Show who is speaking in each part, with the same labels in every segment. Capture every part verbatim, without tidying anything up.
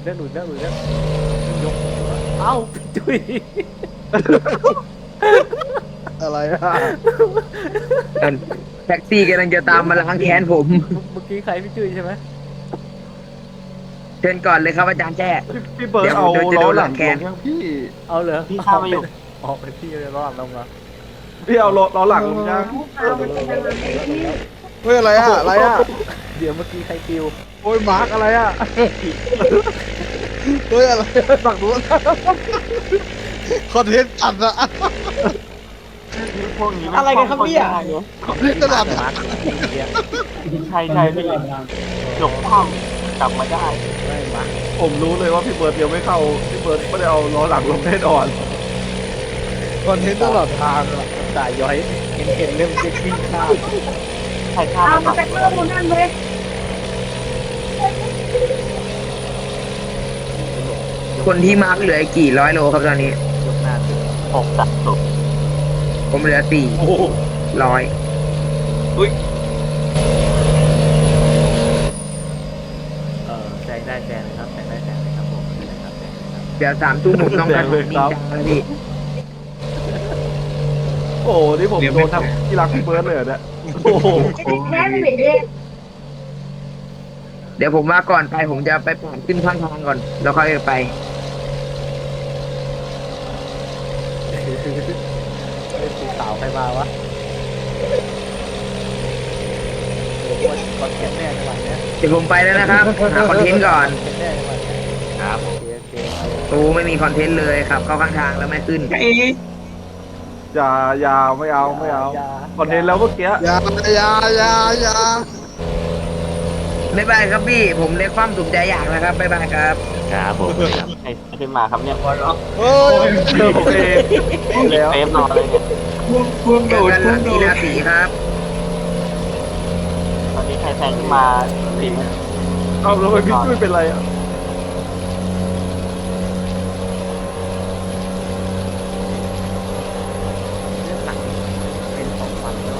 Speaker 1: แล้วหลุดแล้วหลุดแล้วยกเอ้าพี่จุ้ย
Speaker 2: อะไรอ่ะ
Speaker 3: แท็กซี่กำลังจะตามมาล้างแค้นผม
Speaker 1: เมื่อกี้ใครพี่จุ้ยใช่ไหม
Speaker 3: เชิญก่อนเลยครับอาจารย์แจ้
Speaker 2: พี่พี่เบิร์ด
Speaker 3: เดี๋ยว
Speaker 2: เอา
Speaker 3: เดี๋ยวจะ
Speaker 2: ล้
Speaker 3: โด
Speaker 2: อน หลัง
Speaker 3: แข
Speaker 2: ล
Speaker 3: น
Speaker 2: งยังพี่
Speaker 1: เอาเหรอ
Speaker 4: พี่ข้ามมาอยู่
Speaker 1: ออกไปพี่เลยรอดลงมา
Speaker 2: พี่เอาล้อหลังลงยัง เฮ้ยอะไรอ่ะอะไรอ่ะ
Speaker 1: เดี๋ยวเมื่อกี้ใครปิว
Speaker 2: โอ้ยมาร์กอะไรอ่ะเฮ้ยอะไรฝั่งนู้นคอนเทนต์จัดอะ
Speaker 4: พวกนี้
Speaker 5: อะไรกันครับเนี่ย
Speaker 2: ตลาด
Speaker 1: มาร์คเนี่ย
Speaker 4: ใช่ใช่พี่จบความกลับมาได้
Speaker 1: ไม่มาร์ค
Speaker 2: ผมรู้เลยว่าพี่เบิร์ดยังไม่เข้าพี่เบิร์ดไม่ได้เอาล้อหลังลงแน่นอนคอนเทนต์ตลอดทางอะ
Speaker 1: ตายย้อยเห็นเห็นเริ่มจะวิ่งข้าม
Speaker 4: ใช่ข้าม
Speaker 5: เอา
Speaker 4: มา
Speaker 5: มาจากเรื่องนู้นนั่นเลย
Speaker 3: คนที่มาร์กเหลืออีกกี่ร้อยโลครับตอนนี้
Speaker 1: ยกหน้าขึ้น
Speaker 4: หกจัดสุด
Speaker 3: ผมเหลือสี่
Speaker 2: โอ้โห
Speaker 3: ร้อย
Speaker 1: เออแซงได้แซงเลยครับแซงได้แซงเลยครับผมแซงได้ครับแซงเลยครับ
Speaker 3: เดี๋ยวสามทุ่มผมต้องการผมดีจังเลยพี่
Speaker 2: โอ้โหนี่ผมโดนทำที่รักพี่เบิร์ดเลยเหรอเนี่ยโอ้โห
Speaker 5: แค่ไม่เด็ก
Speaker 3: เดี๋ยวผมว่าก่อนไปผมจะไปปาดขึ้นข้างทางก่อน แล้วค่อยไป
Speaker 1: เฮ้ยสีขาวใครมาวะโอ้โหคอนเทนต์แน่ในวันเนี้ย
Speaker 3: เดี๋ยวผมไปแล้วนะครับ หาคอนเทนต์ก่อน
Speaker 1: คอนเทนต์แน่ในวันเนี้ย
Speaker 4: ครับ
Speaker 1: โอเคโอเค
Speaker 3: โอ้ไม่มีคอนเทนต์เลยครับ เข้าข้างทางแล้วไม่ขึ้น
Speaker 2: อย่าอย่าไม่เอาไม่เอาคอนเทนต์แล้วเมื่อกี้
Speaker 6: อย่าอย่าอย่าอย่า
Speaker 3: บ๊ายบายครับพี่ ผมเล็กความสุขใจอยากนะครับ บ๊ายบายครับ
Speaker 4: ครับผมใครขึ้นมาครับเนี่ย
Speaker 6: เฮ้ย
Speaker 2: เจอผมเองแล้ว
Speaker 4: เฟฟรอเลยเนี่ย
Speaker 3: เจอกันหลังที่ราศีครับ
Speaker 4: ตอนนี้ใครแซงขึ้นมาสิบ
Speaker 2: เอาแล้วไปพี่จุ้ยเป็นไรอ่ะ
Speaker 1: เรื่องหลังเป็นสองวันแล้ว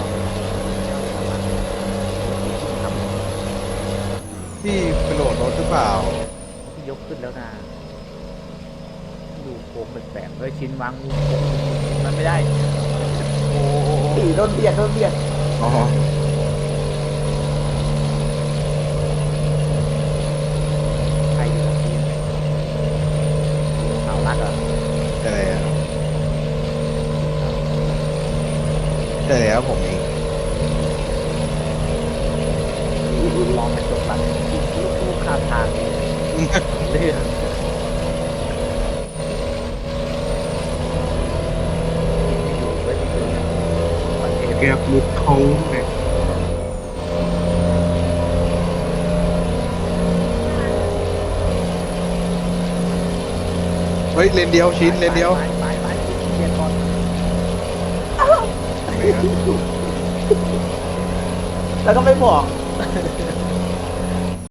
Speaker 6: พี่กระโดดรถหรือเปล่า
Speaker 1: พี่ยกขึ้นแล้วนะดูโค้งแปลกๆเฮ้ยชิ้นวางงูโค้งมันไม่ได้ โอ้โห
Speaker 5: สีโดนเบียดโดนเบียด
Speaker 6: อ๋อ
Speaker 1: ใครอยู่หลังทีมขาวรักอ่ะ
Speaker 6: ใช่แล้วใช่แล้วผมเอง
Speaker 1: มองกระจกหลังลูกลูกข้ามทางเรื่องอยู่ไว้ที่ตัวประเทศ
Speaker 6: แกบลุกโค้งเนี่ยเฮ้ยเลนเดียวชิ้นเลนเดียว
Speaker 1: ไปไปไปเรียนก่อน
Speaker 5: แล้วก็ไม่บอก